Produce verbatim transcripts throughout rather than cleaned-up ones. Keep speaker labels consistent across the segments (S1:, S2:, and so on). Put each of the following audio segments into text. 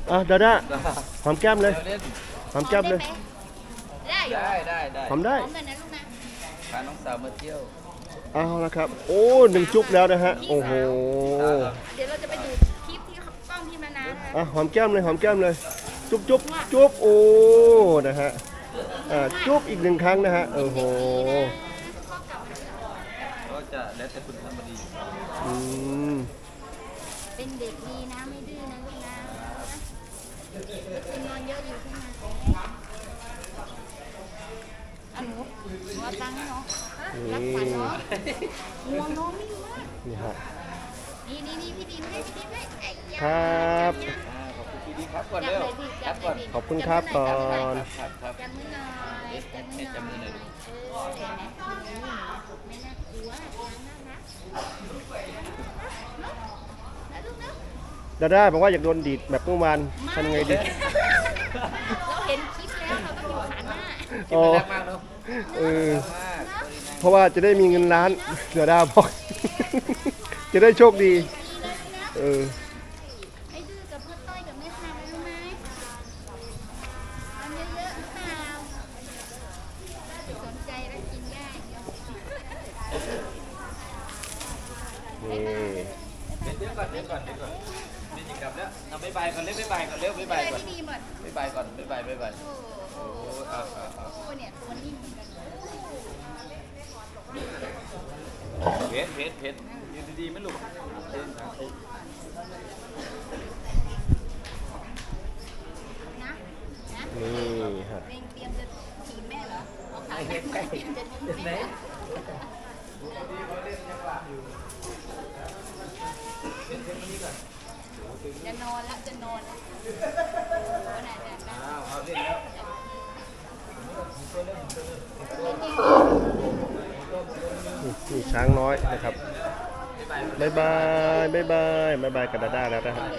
S1: อ่ะดาด้าหอมแก้มเลยหอมแก้มเลย
S2: ได้ได้ได้ได้
S1: หอมได้
S2: หอมเลยนะลูกนะพาน้องสาวมาเที่ยว
S1: เอาละครับโอ้หนึ่งจุ๊บแล้วนะฮะโอ้โห
S2: เดี๋ยวเราจะไปดูคลิปที่กล้องที่มานา
S1: อ่ะหอมแก้มเลยหอมแก้มเลยจุ๊บจุ๊บจุ๊บโอ้นะฮะอ่าจุ๊บอีกหนึ่งครั้งนะฮะโอ้โห
S2: ก็จะแล้วแต่คุณทำมาดี
S1: อืม
S2: เป็นเด็กดีนะไม่ดื้อนะลูกนะนอนเยอะอยู่ขึ้นมาอันหนูหัวตังเนาะรักษาเนาะหัวน้องไม่มาก
S1: นี่ฮะ
S2: นี่นี่นี่พี่ดีให้พี่ดีให้
S1: ครับ
S2: ขอบคุณพี่ดีครับก่อนเร็วครับก่อน
S1: ขอบคุณครับก่อน
S2: จำมือหน่อยจำมือหน่อยเออเห็นไหมไม่น่ากลัวน่ารัก
S1: ดาด้าบอกว่าอยากโดนดีดแบบเมื่อวานทำไงดี
S2: เราเห็นคลิปแล้วเราต้องอยู่ขาหน้า
S1: อ๋อเออเพราะว่าจะได้มีเงินล้านดาด้าบอกจะได้โชคดีเออ
S2: ให้ดื้อกับพ่อต้อยกับแม่ชายรู้ไหมทำเยอะๆเปล่าสนใจแล้วกินได้
S1: นี่
S2: เดี๋ยวก่อนเดี๋ยวก่อนเดี๋ยวก่อนนี่จะกลับแล้วเอาบ๊ายบายก่อนเร็วบ๊ายบายก่อนเร็วบ๊ายบายก่อนบ๊ายบายก่อนบ๊ายบายบ๊ายบายโอ้เอาเอาเอาโอ้เนี่ยตัวนิ่มเพชรเพชรเพชรยืนดีๆไหมลูกนะนะ
S1: นี่ฮะ
S2: เตรียมจะถีบแม่เหรอเอาขาเตรียมจะถีบแม่จะนอนแล้วจะนอน
S1: นี่ช้างน้อยนะครับบายบายบายบายบายบายกับดาด้าแล้วนะฮะ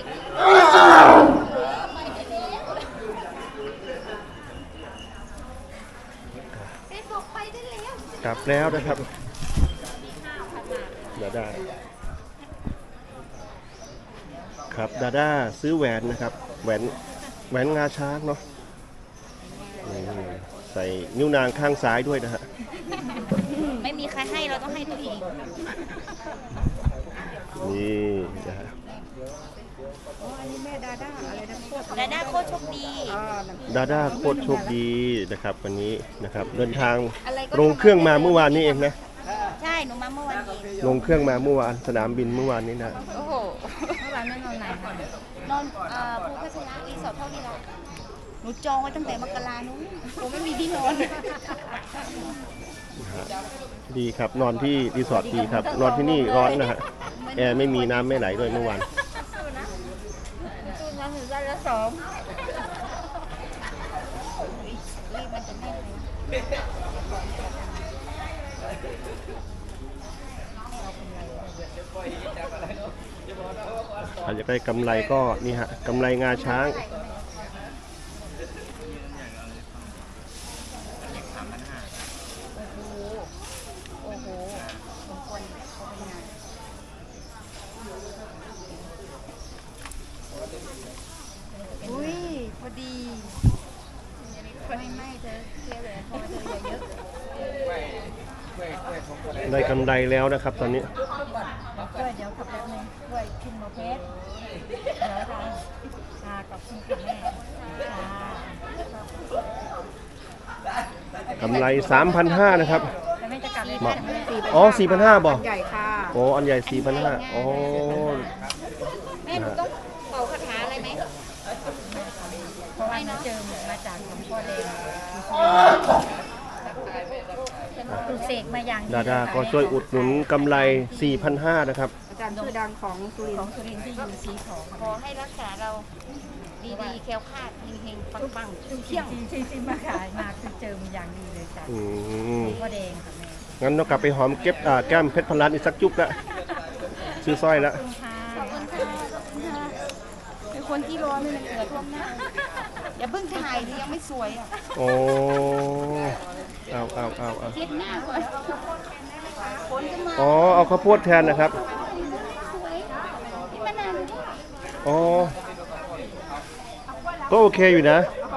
S1: กลับแล้วนะครับดาด้าครับดาด้าซื้อแหวนนะครับแหวนแหวนงาช้างเนาะใส่นิ้วนางข้างซ้ายด้วยนะฮะ
S2: ไม่มีใครให้เราต้องให้ตัวเอง
S1: นี่นะฮะ
S2: ดาด้าโคตรโชคดี
S1: ดาด้าโคตรโชคดีนะครับวันนี้นะครับเดินทางลงเครื่องมาเมื่อวานนี้เองนะ
S2: ใช่หนูมาเมื่อวานเอง
S1: ลงเครื่องมาเมื่อวานสนามบินเมื่อวานนี้นะ
S2: โอ้โหเมื่อวานไม่นอนไหนคะนอนภูพัชระรีสอร์ทเท่านี้ละหนูจองไว้ตั้งแต่มกรานู้นหนูไม่มีที่นอน
S1: ดีครับนอนที่รีสอร์ทดีครับนอนที่นี่ร้อนนะฮะแอร์ไม่มีน้ำไม่ไหลด้วยเมื่อวาน
S2: ตู้น้ำถึงได้ละสองรีบมันจะแน่เลย
S1: ถ้าอยากได้กำไรก็นี่ฮะกำไรงาช้าง
S2: อุ้ยพอดีไม่ไม่เธอเสียเลยพอเธออย่าเยอะ
S1: ได้กำไรแล้วนะครับตอนนี้
S2: ด้วยเดี๋ยวขับแป๊บนึงด้วยคุณหมอเพชรเดี๋ยวค่ะชากับคุณค่ะแม่
S1: กำไร สามพันห้าร้อย นะครับอ๋อ สี่พันห้าร้อย บอก
S3: ใหญ่ค่ะ
S1: โอ้อันใหญ่ สี่พันห้าร้อย อ๋อ
S2: แม่หนูต้องเป่าคาถาอะไรไหม
S3: เพราะว่าเจิมมาจากหลวงพ่อแดงปลูกเสกมาอย่าง
S1: ดาดาก็ช่วยอุดหนุนกำไร สี่พันห้าร้อย นะครับ
S3: อาจารย์ชื่อดังของสุรินทร์ของสุรินทร์ที่อยู่สีของ
S2: ขอให้รักษาเราดีๆแคล้วคลาดเฮงๆปังๆเที่ยง
S3: ที่ที่มาขายมาคือเจิมอย่างดีเลยจ้ะหลวงพ่อแดงค่ะแม่
S1: งั้นเรากลับไปหอมเก็บแก้มเพชรพันล้านอีกสักจุ๊บละซื้อสร้อยละ
S2: เป็นคนที่ร้อนไม่เลยเกิดท่วมหน้าอย่าเพิ่งถ่ายดิยังไม่สวยอ่ะ
S1: โอ้เอาเอาเอาเอา
S2: เช็ดหน้าก่อน
S1: อ๋อเอาข้าวโพดแทนนะครับ
S2: สวยที่มะนาว
S1: อ๋อก็โอเคอยู่นะ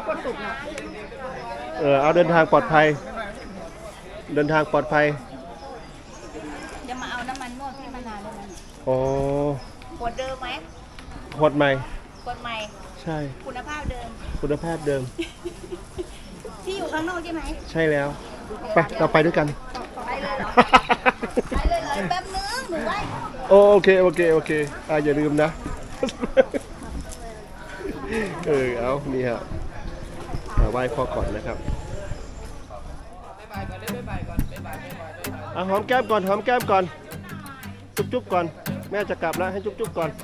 S1: เออเอาเดินทางปลอดภัยเดินทางปลอดภัย
S3: จะมาเอาน้ำมันนวดพี่มานานแล้วนะ
S1: โอ้
S3: ขวดเดิมไหม
S1: ขวดใหม่
S3: ขวดใหม่
S1: ใช่
S3: คุณภาพเดิม
S1: คุณภาพเดิม
S3: ที่อยู่ข้างนอกใช่ไหม
S1: ใช่แล้วไปเราไปด้วยกัน
S3: ไปเลยเหรอ ไปเลยเลยแป๊บนึงหนูไว้
S1: โอโอเคโอเคโอเคอ่าอย่าลืมนะ เออเอานี่ฮะอ่าไหว้พ่อก่อนนะครับ
S2: บ๊ายบายก่อนเร็วบ๊ายบายก่อนบ๊ายบายบ๊ายบายบ๊ายบาย
S1: อ่ะหอมแก้มก่อนหอมแก้มก่อนจุ๊บจุ๊บก่อนแม่จะกลับแล้วให้จุ๊บจุ๊บก่อน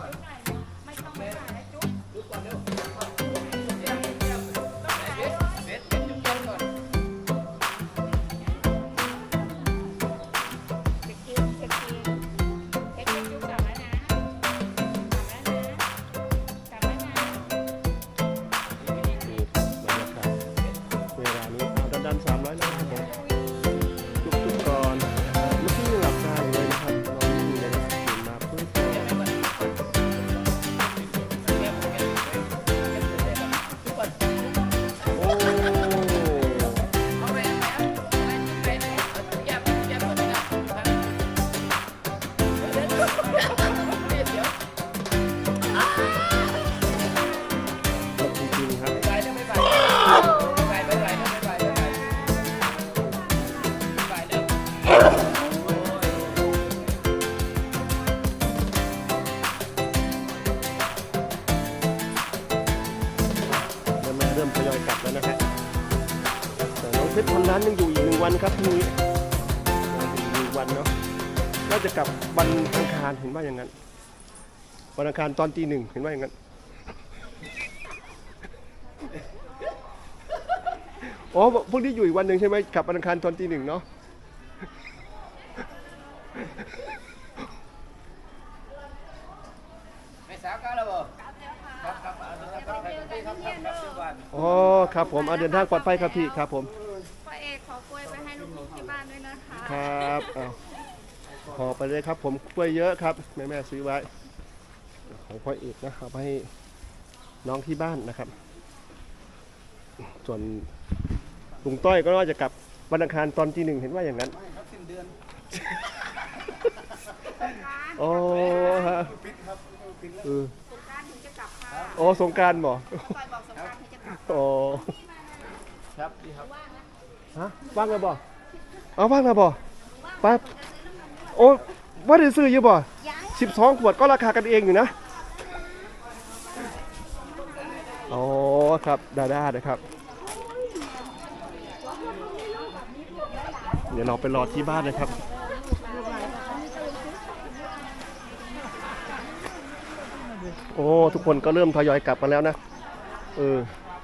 S1: เวลานี้เอาดันดันสามร้อยนะครับผมจุ๊บจุ๊บก่อนนะครับเมื่อกี้ยังหลับตาอยู่เลยนะครับลองดูเลยนะครับตื่นมาปุ๊บโอ้
S2: เอาไปเอาไปเอาไปเอาไปแยบแยบก่อนนะเดี๋ยวเดี๋ยวเดี๋ยว
S1: จริงๆครับ
S2: บ๊ายบายเร็วบ๊ายบายบ๊ายบายบ๊ายบายเร็วบ๊ายบายบ๊ายบายบ๊ายบายเร็ว
S1: เริ่มเริ่มทยอยกลับแล้วนะฮะแต่น้องเพชรพันล้านยังอยู่อีกหนึ่งวันครับพรุ่งนี้ยังอยู่อีกหนึ่งวันเนาะน่าจะกลับวันอังคารเห็นว่าอย่างนั้นวันอังคารตอนตีหนึ่งเห็นว่าอย่างนั้นอ๋อพวกนี้อยู่อีกวันหนึ่งใช่ไหมกลับวันอังคารตอนตีหนึ่งเนาะ
S2: ไม่สาวก้าวแล้วบ่ครับครับเอาเดินทางปลอดภัยครับครับครับทุกวัน
S1: อ๋อครับผมเอาเดินทางปลอดภัยครับพี่ครับผม
S4: พ่อเอกขอกล้วยไปให้ลูกๆที่บ้านด้วยนะคะ
S1: ครับเอาขอไปเลยครับผมกล้วยเยอะครับแม่แม่ซื้อไว้ของพ่อเอกนะเอาไปให้น้องที่บ้านนะครับ ส่วนลุงต้อยก็น่าจะกลับวันอังคารตอนที่หนึ่งเห็นว่าอย่างนั้นโอ้ฮะเออ
S4: สงกรานต์ถึงจะกลับค่ะ
S1: โอ้สงกรารบ่
S4: ปอยบอกสงกรานต์ถึงจะกลับ
S1: โอ้
S2: ครับดีครับ
S1: ฮะว่างแล้วบ่เอาว่างแล้วบ่ไปโอ้ว่าได้ซื้ออยู่บ่สิบสองขวดก็ราคากันเองอยู่นะอ๋อครับดาด้านะครับ เดี๋ยวเราไปรอที่บ้านนะครับ โอ้ทุกคนก็เริ่มทยอยกลับมาแล้วนะเออ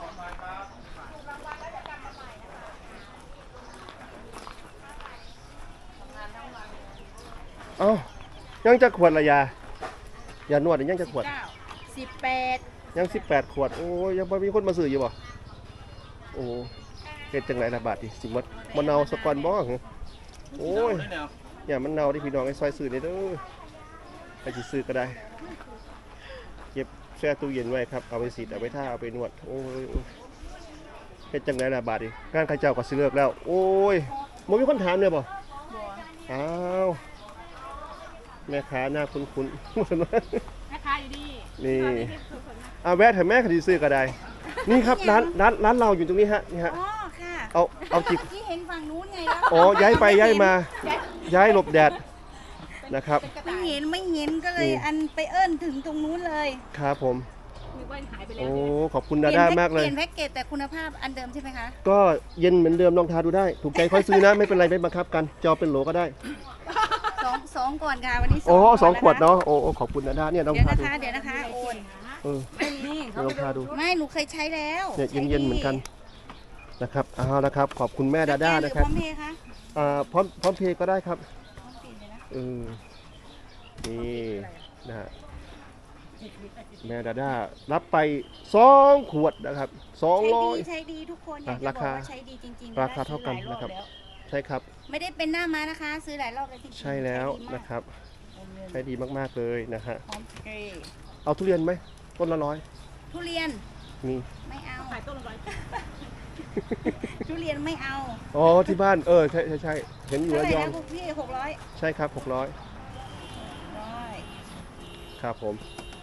S1: เอ้ายังจะขวดละยายานวดยังจะขวด
S3: สิบแปด
S1: ยังสิบแปดขวดโอ้ยยังไม่มีคนมาซื้ออยู่บ่โอ้เฮ็ดจังไรละบาทดิสิมัดมะนาวสกอนบ่เหรอโอ้ยอย่ามันเนาที่พี่น้องไอ้ซอยซื้อได้เด้อไปสิซื้อก็ได้เก็บแช่ตู้เย็นไว้ครับเอาไปสีดเอาไปท่าเอาไปนวดโอ้ยเฮ็ดจังไรละบาทดิงานข้าเจ้าก็สิเลิกแล้วโอ้ยบ่มีคนถามเลยบ่อ้าวแม่ค้าหน้าคุ้นๆ
S4: แม่ค้าอยู่ดี
S1: นี่เอาแวะเถอะแม่คดีซื้อก็ได้ นี่ครับร้านร้านร้านเราอยู่ตรงนี้ฮะนี่ฮะ
S3: อ๋อค่ะ
S1: เอาเอาจิบ
S3: ที่เห็นฝั่งนู้นไงแล้ว
S1: อ๋อย้ายไปย้ายมา ย้ายหลบแดดนะครับ
S3: ไม่เห็นไม่เห็นก็เลยอันไปเอิ้นถึงตรงนู้นเลย
S1: ครับผม
S4: นึกว่าหายไปแล้
S1: โอ้
S4: ว
S1: ขอบคุณดาด้ามากเลย
S3: เปลี่ยนแพ็กเกจแต่คุณภาพอันเดิมใช่ไหมคะ
S1: ก็เย็นเหมือนเดิมลองทาดูได้ ถูกใจค่อยซื้อนะ ไม่เป็นไรไม่บังคับกันจะเอาเป็นโหลก็ได้
S3: สองสองก่อนค่ะวันนี้
S1: โอ้สอง
S3: ก่
S1: ขวด
S3: ค
S1: เนาะโอ้โอ้ขอบคุณดาด้าเนี่ยลอง
S3: เดี๋ยว
S1: ทา
S3: นะ
S1: ดู
S3: คะเดี๋ยวนะคะโอน
S1: เออ
S3: ไม่มี
S1: ลองทาดู
S3: ไม่หนูเคยใช้แล้ว
S1: เนี่ยเย็นๆเหมือนกันนะครับเอาละครับ ขอบคุณแม่ดาด้า
S3: สแกห
S1: นะ
S3: รือ
S1: ครับ
S3: พร้อมเพย์คะ
S1: อ่าพร้อมพร้อมเพย์ก็ได้ครับ
S3: พร้อมเพย์เลยนะ
S1: เออนี่นะฮะแม่ดาด้ารับไปสองขวดนะครับสอง
S3: ใช้
S1: ร้อ
S3: ดี
S1: ย
S3: ใช้ดีทุกคนอ
S1: อ่ะ
S3: ยากจะ
S1: รา
S3: บอก
S1: คา
S3: ว่าใช้ดีจริงๆ
S1: ราคาเท่ากัน
S3: ซื้อหลย
S1: นะครับ
S3: แล้ว
S1: ใช่ครับ
S3: ไม่ได้เป็นหน้าม้านะคะ ซื้อหลายรอบแล้วจริงๆ
S1: ใช่แล้ว
S3: ใช้ดีมาก
S1: นะครับ ใช้ดีมากๆเลยนะฮะ
S3: พร้อมเพย์
S1: เอาทุเรียนไหมต้นละร้อย
S3: ทุเรียน
S1: มี
S4: ไม่เอา ขายต้นละร้อยทุเรียนไม่เอา
S1: อ๋อที่บ้านเออใช่ใช่ใช่เห็นอยู่
S4: เท่า
S1: ระ
S4: ไหร่
S1: ยอง
S4: นะคุณพี่หกร้อย
S1: ใช่ครับหกร้อย
S4: ร้อย
S1: ครับผม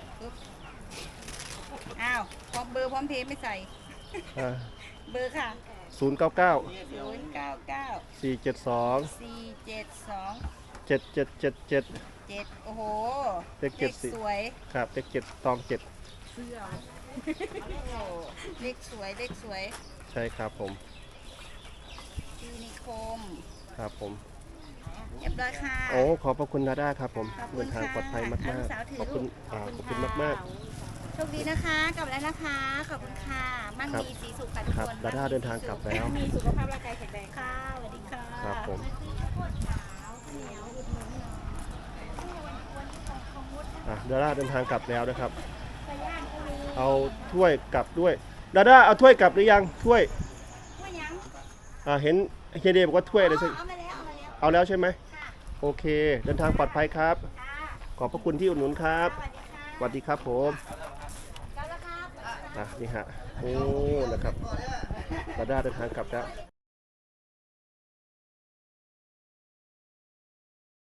S4: อ้าวพร้อมเบอร์พร้อมเพย์ไม่ใส่
S1: อ่า
S4: เบอร์ค่ะ
S1: ศูนย์เก้าเก้า
S4: ศูนย์เก้าเก้า
S1: สี่เจ็ดสอง
S4: สี่เจ็ดสอง
S1: เจ็ดเจ็ดเจ็ดเจ็ด
S4: เจ็ดโอ้โห
S1: เลขเจ็ดสิ
S4: สวย
S1: ครับเลขเจ็ดตองเจ็ด
S4: เสื้อโอ้เลขสวยเลขสวย
S1: ใช่ครับผม
S4: ยูนิโคม
S1: ครับผม
S4: เรียบร้อยค่ะ
S1: โอ้ขอบพระคุณดาด้าครับผม
S4: ขอบคุณ
S1: เดินทางปลอดภัยมาก
S4: ค่ะ
S1: มาก
S4: ลูกสาวถือ
S1: ขอบคุณ
S4: ลูก
S1: อ่าขอบคุณมากมาก
S4: โชคดีนะคะ กลับแล้วนะคะ ขอบคุณค่ะมั่ง
S1: ครับ
S4: มีสีสุขค่ะทุก
S1: ครับ
S4: คน
S1: ดาด้าเดินทางกลับแล้ว
S4: มีสุขภาพร่างกายแข็งแรงค่ะสวัสดีค่ะ
S1: ครับผม อ่ะดาด้าเดินทางกลับแล้วนะครับ เอาถ้วยกลับด้วยดาด้าเอาถ้วยกลับหรือยังถ้วย
S4: ว่ายัง
S1: อ่าเห็นเฮียเดย์บอกว่าถ้วยอะไรสัก
S4: เอามาแล้วเอามาแล้ว
S1: เอาแล้วใช่ไหม
S4: ค่ะ
S1: โอเค เดินทางปลอดภัยครับ
S4: ค่ะ
S1: ขอบพระคุณที่อุดหนุนครับ
S4: สวัสดีค่ะ
S1: สวัสดีครับผม
S4: กลับแล้วครับ
S1: อ่ะนี่ฮะโอ้นะครับดาด้าเดินทางกลับแล้ว